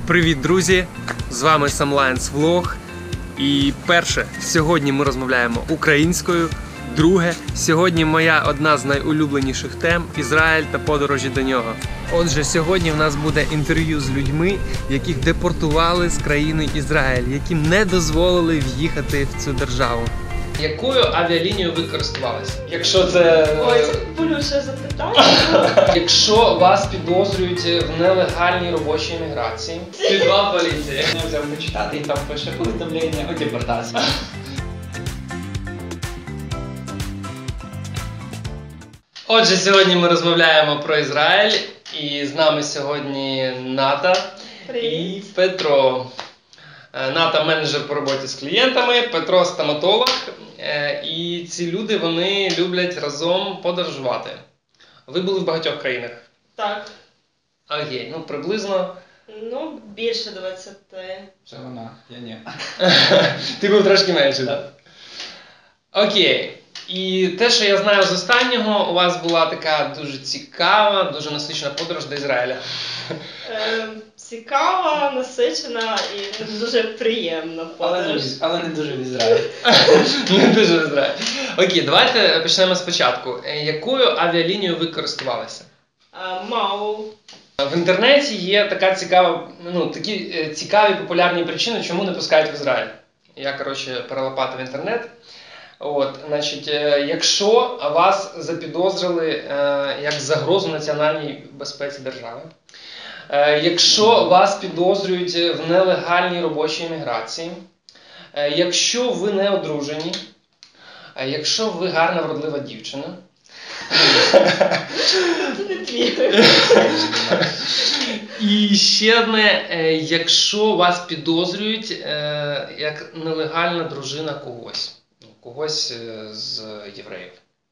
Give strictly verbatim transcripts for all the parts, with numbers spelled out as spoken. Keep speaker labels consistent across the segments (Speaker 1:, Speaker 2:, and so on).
Speaker 1: Привіт, друзі! З вами Samlines Vlog. І перше, сьогодні ми розмовляємо українською. Друге, сьогодні моя одна з найулюбленіших тем – Ізраїль та подорожі до нього. Отже, сьогодні в нас буде інтерв'ю з людьми, яких депортували з країни Ізраїль, яким не дозволили в'їхати в цю державу. Якою авіалінією ви користувалися? Якщо це...
Speaker 2: Ой, це болюче запитання.
Speaker 1: Якщо вас підозрюють в нелегальній робочій міграції. Підвал поліції.
Speaker 3: Я взяв почитати і там пише повідомлення о депортації.
Speaker 1: Отже, сьогодні ми розмовляємо про Ізраїль. І з нами сьогодні Ната
Speaker 2: Привіт.
Speaker 1: і Петро. Ната – менеджер по роботі з клієнтами, Петро – стоматолог. І ці люди, вони люблять разом подорожувати. Ви були в багатьох країнах?
Speaker 2: Так.
Speaker 1: Окей, ну приблизно.
Speaker 2: Ну, більше двадцяти.
Speaker 3: Це вона, я ні.
Speaker 1: Ти був трошки менше, так? Окей. І те, що я знаю з останнього, у вас була така дуже цікава, дуже насичена подорож до Ізраїля.
Speaker 2: Е, цікава, насичена і дуже приємна
Speaker 3: Але не,
Speaker 2: подорож.
Speaker 3: в- але не дуже в Ізраїлі.
Speaker 1: Не дуже в Ізраїль. Окей, давайте почнемо спочатку. Е, Якою авіалінією ви користувалися?
Speaker 2: Е, Мау.
Speaker 1: В інтернеті є така цікава, ну, такі е, цікаві популярні причини, чому не пускають в Ізраїль. Я, коротше, перелопатив інтернет. От, значить, е, якщо вас запідозрили е, як загрозу національній безпеці держави, е, якщо вас підозрюють в нелегальній робочій міграції, е, якщо ви не одружені, е, якщо ви гарна вродлива дівчина,
Speaker 2: Це не твій.
Speaker 1: і ще одне, е, якщо вас підозрюють е, як нелегальна дружина когось, ну, когось е, з євреїв.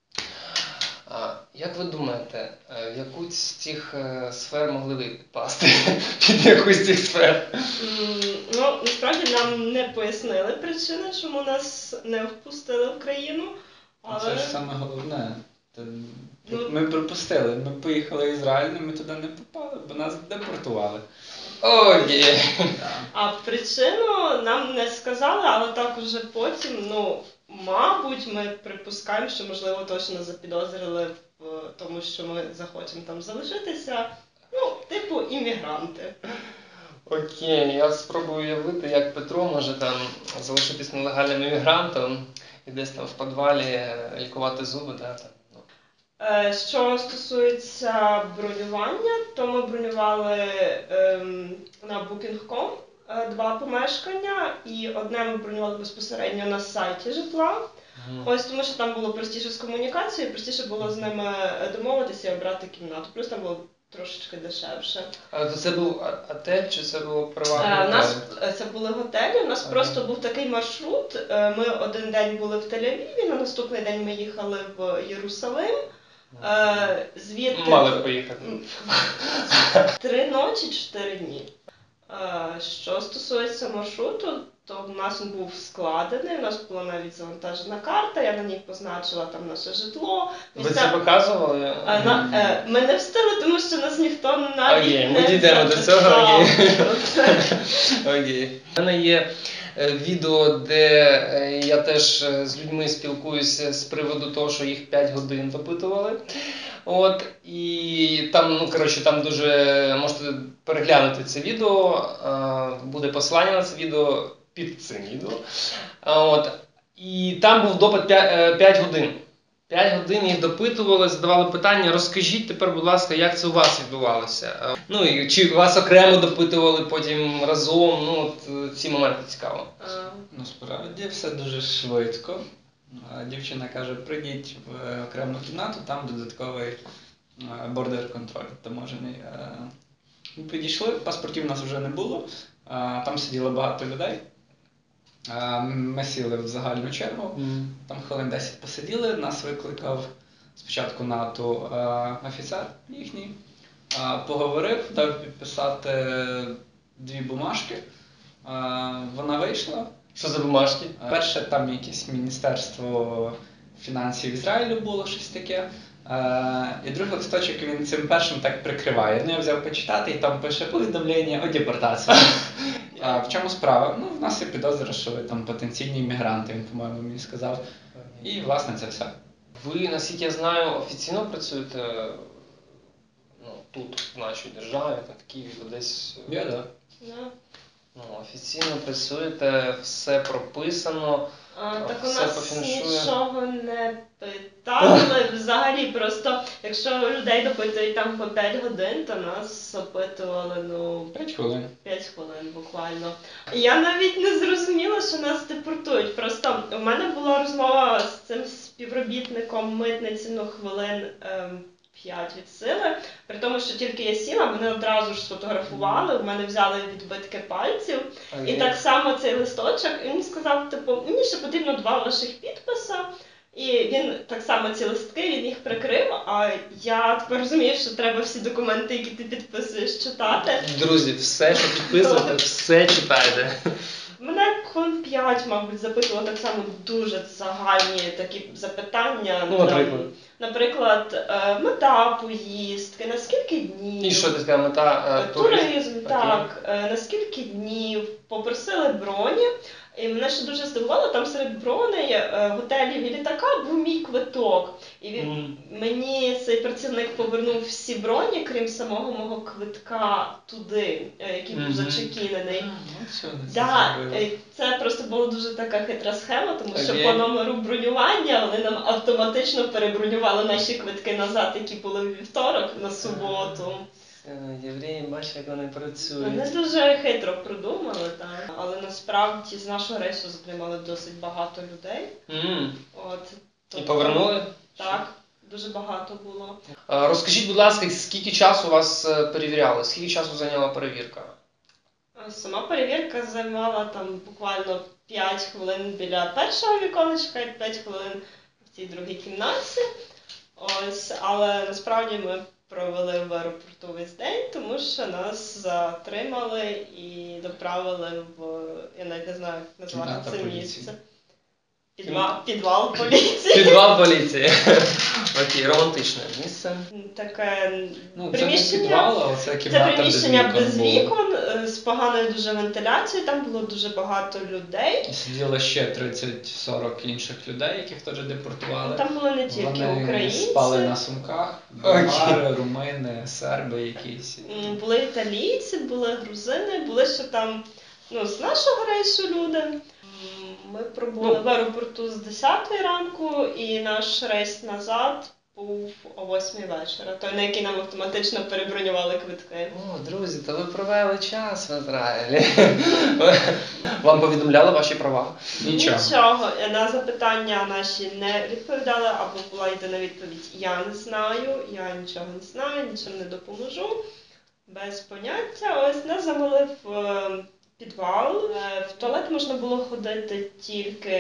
Speaker 1: А, як ви думаєте, е, в яку з цих е, сфер могли ви підпасти? Під яку з цих сфер?
Speaker 2: М, Ну, насправді нам не пояснили причини, чому нас не впустили в країну. Але
Speaker 3: Це ж саме головне. Та-
Speaker 2: Ну-
Speaker 3: Ми пропустили. Ми поїхали в Ізраїль, але ми туди не попали, бо нас депортували.
Speaker 1: Окей.
Speaker 3: Да.
Speaker 2: А причину нам не сказали, але так уже потім, ну, мабуть, ми припускаємо, що, можливо, точно запідозрили в тому, що ми захочемо там залишитися. Ну, типу, іммігранти.
Speaker 1: Окей, я спробую уявити, як Петро може там залишитись нелегальним іммігрантом і десь там в підвалі е, лікувати зуби, да, там. Ну.
Speaker 2: Е, Що стосується бронювання, то ми бронювали ем, на букінг точка ком е, два помешкання, і одне ми бронювали безпосередньо на сайті житла.
Speaker 1: Мгм.
Speaker 2: Ось тому, що там було простіше з комунікацією, простіше було з ними домовитися і обрати кімнату. Плюс там було трошечки дешевше.
Speaker 1: А то це був а- отель чи це було
Speaker 2: Е,
Speaker 1: приватний
Speaker 2: У нас
Speaker 1: готель?
Speaker 2: е, це були готелі. У нас
Speaker 1: Ага.
Speaker 2: просто був такий маршрут. Е, Ми один день були в Тель-Авіві, на наступний день ми їхали в Єрусалим. Е, Звідти
Speaker 1: Мали б поїхати.
Speaker 2: три ночі, чотири дні. Е, Що стосується маршруту, то в нас він був складений, у нас була навіть завантажена карта, я на ній позначила там наше житло.
Speaker 1: Ви
Speaker 2: Місця-
Speaker 1: це показували?
Speaker 2: Е, на- е, Ми не встигли, тому що нас ніхто навіть
Speaker 1: Окей, ми
Speaker 2: не
Speaker 1: дійдемо до цього,
Speaker 2: запитав
Speaker 1: окей.
Speaker 2: про це.
Speaker 1: Окей. У мене є е, відео, де е, я теж е, з людьми спілкуюся з приводу того, що їх п'ять годин допитували. От, і там, ну, коротше, там дуже можете переглянути це відео, е, буде посилання на це відео під цим відео. А, От, і там був допит п'ять годин. п'ять годин їх допитували, задавали питання. Розкажіть тепер, будь ласка, як це у вас відбувалося? Е, Ну, і чи вас окремо допитували потім разом? Ну, от е, ці моменти цікаво.
Speaker 2: Е,
Speaker 3: Насправді все дуже швидко. А Дівчина каже, прийдіть в е, окрему кімнату, там додатковий е, бордер контроль таможений. Е, Ми підійшли, паспортів у нас вже не було, а, там сиділо багато людей. А, Ми сіли в загальну чергу, там хвилин десять посиділи, нас викликав спочатку НАТО е, офіцер їхній, е, поговорив, дав підписати дві бумажки. Е, Вона вийшла.
Speaker 1: Що за бумажки?
Speaker 3: Перше, там якесь міністерство фінансів Ізраїлю було щось таке. Е, і другий листочок він цим першим так прикриває. Ну, я взяв почитати і там пише повідомлення о депортації. А в чому справа? Ну, в нас є підозра, що ви там потенційні іммігранти, він, по-моєму, мені сказав. І, власне, це все.
Speaker 1: Ви, наскільки я знаю, офіційно працюєте ну, тут, в нашій державі, там, в Києві, десь.
Speaker 3: Я, да.
Speaker 2: Да.
Speaker 1: Ну, офіційно працюєте, все прописано.
Speaker 2: А, так у
Speaker 1: Все
Speaker 2: нас
Speaker 1: пофіншує.
Speaker 2: нічого не питали взагалі, просто якщо людей допитують там по п'ять годин, то нас опитували, ну,
Speaker 3: П'ять хвилин.
Speaker 2: п'ять хвилин буквально. Я навіть не зрозуміла, що нас депортують. Просто у мене була розмова з цим співробітником митниці, ну, хвилин ем, п'ять від сили. При тому, що тільки я сіла, мене одразу ж сфотографували, у мене взяли відбитки пальців. І так само цей листочок, він сказав, типу, мені ще потрібно два ваших підписи. І він так само ці листки, він їх прикрив, а я тепер розумію, що треба всі документи, які ти підписуєш, читати.
Speaker 1: Друзі, все, що підписуєте, все читайте.
Speaker 2: Мене хвилин п'ять, мабуть, запитували так само дуже загальні такі запитання.
Speaker 1: Ну, наприклад.
Speaker 2: Наприклад, е, мета поїздки, на скільки днів.
Speaker 1: І що ти така мета? е,
Speaker 2: Туризм,
Speaker 1: Окей.
Speaker 2: так. Е, на скільки днів. Попросили броні. І мене ще дуже здивувало, там серед броней, е, готелів і літака був мій квиток. І він,
Speaker 1: Мгм.
Speaker 2: мені цей працівник повернув всі броні, крім самого мого квитка туди, е, який був
Speaker 1: Мгм.
Speaker 2: зачекінений.
Speaker 3: Ну, все, не
Speaker 2: Да,
Speaker 3: зробили.
Speaker 2: е, це просто була дуже така хитра схема, тому що
Speaker 1: Окей.
Speaker 2: по номеру бронювання вони нам автоматично перебронювали наші квитки назад, які були в вівторок на суботу.
Speaker 1: Е, Євреї, бачиш, як вони
Speaker 2: Вони
Speaker 1: працюють.
Speaker 2: дуже хитро придумали, так. Але насправді з нашого рейсу затримали досить багато людей.
Speaker 1: М.
Speaker 2: От,
Speaker 1: І
Speaker 2: тобто,
Speaker 1: повернули?
Speaker 2: Так, дуже багато було.
Speaker 1: Е, Розкажіть, будь ласка, скільки часу вас е, перевіряли? Скільки часу зайняла перевірка?
Speaker 2: А Сама перевірка займала там буквально п'ять хвилин біля першого віконечка і п'ять хвилин в цій другій кімнаті. Ось, але насправді ми провели в аеропорту весь день, тому що нас затримали і доправили в, я навіть не знаю, як назвати
Speaker 3: Кімната
Speaker 2: це
Speaker 3: поліції.
Speaker 2: місце. Підвал, підвал поліції.
Speaker 1: Підвал поліції. Окей, романтичне місце.
Speaker 2: Таке
Speaker 3: Ну, це не
Speaker 2: приміщення.
Speaker 3: підвал, а це
Speaker 2: Це
Speaker 3: кімната
Speaker 2: приміщення
Speaker 3: без
Speaker 2: без
Speaker 3: вікон. було.
Speaker 2: вікон, е, з поганою дуже вентиляцією, там було дуже багато людей.
Speaker 3: І сиділо ще тридцять-сорок інших людей, яких теж депортували.
Speaker 2: Там були не тільки
Speaker 3: Вони
Speaker 2: українці,
Speaker 3: спали на сумках, болгари, румини, серби якісь.
Speaker 2: м, були італійці, були грузини, були ще там ну, з нашого рейсу люди. М, Ми пробули
Speaker 1: Ну.
Speaker 2: в аеропорту з десятої ранку, і наш рейс назад був о восьмій вечора, той, на який нам автоматично перебронювали квитки.
Speaker 1: О, друзі, то ви провели час в Ізраїлі. Вам повідомляли ваші права?
Speaker 3: Нічого.
Speaker 2: Нічого. На запитання наші не відповідали, або була єдина відповідь «я не знаю», «я нічого не знаю, нічим не допоможу». Без поняття. Ось нас завели в е, підвал. Е, В туалет можна було ходити тільки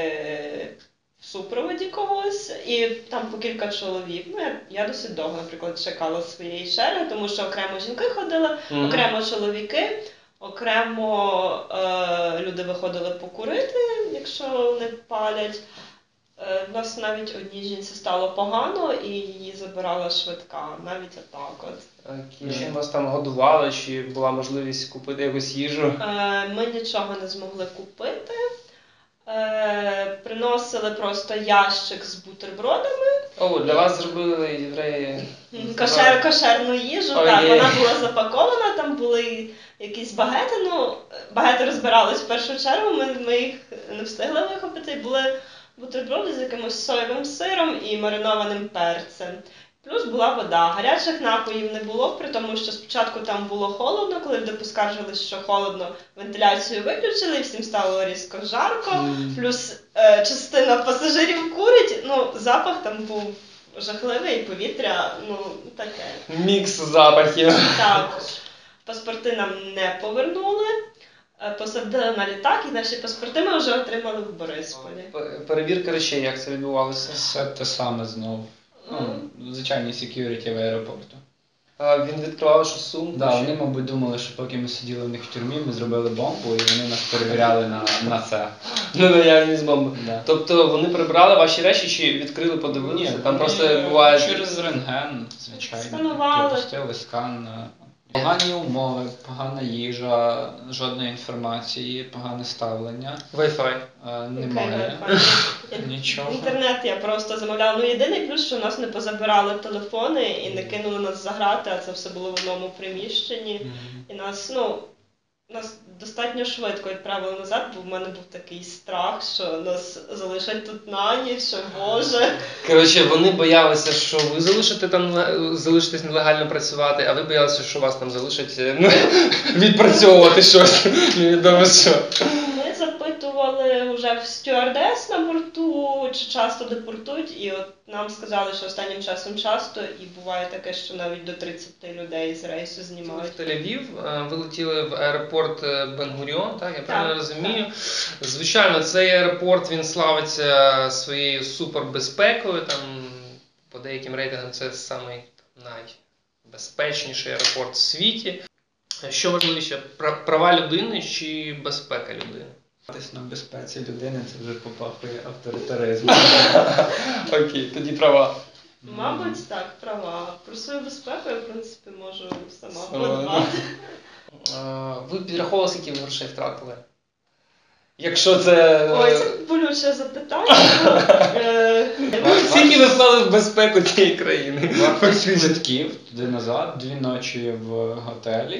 Speaker 2: в супроводі когось, і там по кілька чоловік. Ну, я, я досить довго, наприклад, чекала своєї черги, тому що окремо жінки ходили,
Speaker 1: Мгм.
Speaker 2: окремо чоловіки, окремо е, люди виходили покурити, якщо вони палять. Е, в нас навіть одній жінці стало погано, і її забирала швидка, навіть отак от.
Speaker 1: Окей. Чим вас там годували, чи була можливість купити якусь їжу?
Speaker 2: Е, Ми нічого не змогли купити. Е, Приносили просто ящик з бутербродами,
Speaker 1: О, для вас зробили євреї.
Speaker 2: кошер, кошерну їжу.
Speaker 1: Ой,
Speaker 2: Так,
Speaker 1: є.
Speaker 2: вона була запакована, там були якісь багети. Ну, багети розбирались в першу чергу, ми, ми їх не встигли вихопити. І були бутерброди з якимось соєвим сиром і маринованим перцем. Плюс була вода. Гарячих напоїв не було, при тому, що спочатку там було холодно, коли люди поскаржились, що холодно, вентиляцію виключили, і всім стало різко жарко.
Speaker 1: М.
Speaker 2: Плюс е, частина пасажирів курить, ну, запах там був жахливий, повітря, ну, таке.
Speaker 1: Мікс запахів.
Speaker 2: Так, паспорти нам не повернули, е, посадили на літак, і наші паспорти ми вже отримали в Борисполі.
Speaker 1: П- Перевірка речей, як це відбувалося?
Speaker 3: Все те саме знову. Ну, звичайні security в аеропорту.
Speaker 1: А він відкривав що сумку.
Speaker 3: Да,
Speaker 1: чи-
Speaker 3: вони, мабуть, думали, що поки ми сиділи в них в тюрмі, ми зробили бомбу, і вони нас перевіряли на, на це.
Speaker 1: Ну, наявність бомби.
Speaker 3: Да.
Speaker 1: Тобто вони прибрали ваші речі чи відкрили, подивилися? Там просто буває...
Speaker 3: через рентген, звичайно.
Speaker 2: Сканували.
Speaker 3: Пропустили скан. Погані умови, погана їжа, жодної інформації, погане ставлення.
Speaker 1: Wi-Fi.
Speaker 3: Е, Немає.
Speaker 2: Wi-Fi.
Speaker 3: Нічого.
Speaker 2: Інтернет я просто замовляла. Ну, єдиний плюс, що нас не позабирали телефони і не кинули нас за грати, а це все було в одному приміщенні. І нас, ну, нас достатньо швидко відправили назад, бо в мене був такий страх, що нас залишать тут на ніч, що Боже.
Speaker 1: Коротше, вони боялися, що ви залишите там, залишитесь нелегально працювати, а ви боялися, що вас там залишать ну, відпрацьовувати щось, невідомо що.
Speaker 2: Ми запитували вже в стюардес на борту, чи часто депортують, і от нам сказали, що останнім часом часто, і буває таке, що навіть до тридцяти людей з рейсу
Speaker 1: В
Speaker 2: знімають.
Speaker 1: Тель-Авів, е, вилетіли в аеропорт Бен-Гуріон, так, я правильно
Speaker 2: Так,
Speaker 1: розумію. Звичайно, цей аеропорт, він славиться своєю супербезпекою, там, по деяким рейтингам це самий найбезпечніший аеропорт в світі. Що важливіше, пра- права людини чи безпека людини?
Speaker 3: Тись на безпеці людини це вже попахує авторитаризмом.
Speaker 1: Окей, тоді права.
Speaker 2: Мабуть, так, права. Про свою безпеку я, в принципі, можу сама
Speaker 1: Сама,
Speaker 2: подбати.
Speaker 1: Е, Ви підраховували, скільки ви грошей втратили? Якщо це... е,
Speaker 2: Ой, це болюче запитання. Е,
Speaker 1: Скільки ви вклали в безпеку цієї країни?
Speaker 3: Вартість квитків туди-назад, дві ночі в готелі,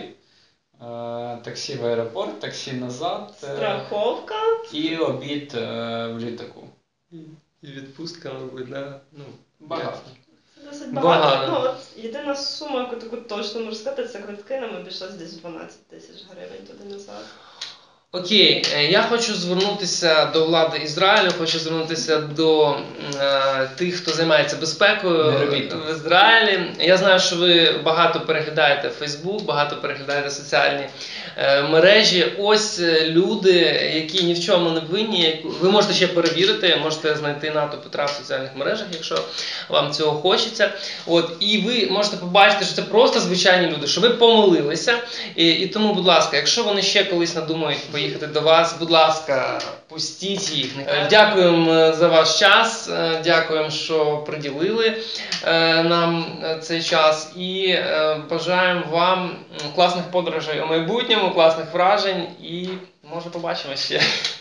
Speaker 3: е, таксі в аеропорт, таксі назад е,
Speaker 2: Страховка.
Speaker 3: і обід е, в літаку.
Speaker 1: І відпустка, мабуть, да? Ну,
Speaker 3: Багато.
Speaker 2: Це досить
Speaker 1: Багато.
Speaker 2: багато. Ну, от, єдина сума, яку таку точно можу сказати, це квитки, нам обійшлось десь дванадцять тисяч гривень туди-назад.
Speaker 1: Окей, е, я хочу звернутися до влади Ізраїлю, хочу звернутися до е, тих, хто займається безпекою
Speaker 3: Не робіть так.
Speaker 1: в Ізраїлі. Я знаю, що ви багато переглядаєте Фейсбук, багато переглядаєте соціальні е, мережі. Ось е, люди, які ні в чому не винні. яку- Ви можете ще перевірити, можете знайти НАТО Петра в соціальних мережах, якщо вам цього хочеться. От, і ви можете побачити, що це просто звичайні люди, що ви помилилися. І, і тому, будь ласка, якщо вони ще колись надумають поїхати до вас, будь ласка, пустіть їх. Е, Дякуємо е, за ваш час, е, дякуємо, що приділили е, нам е, цей час і е, бажаємо вам м, класних подорожей у майбутньому, класних вражень і може побачимо ще.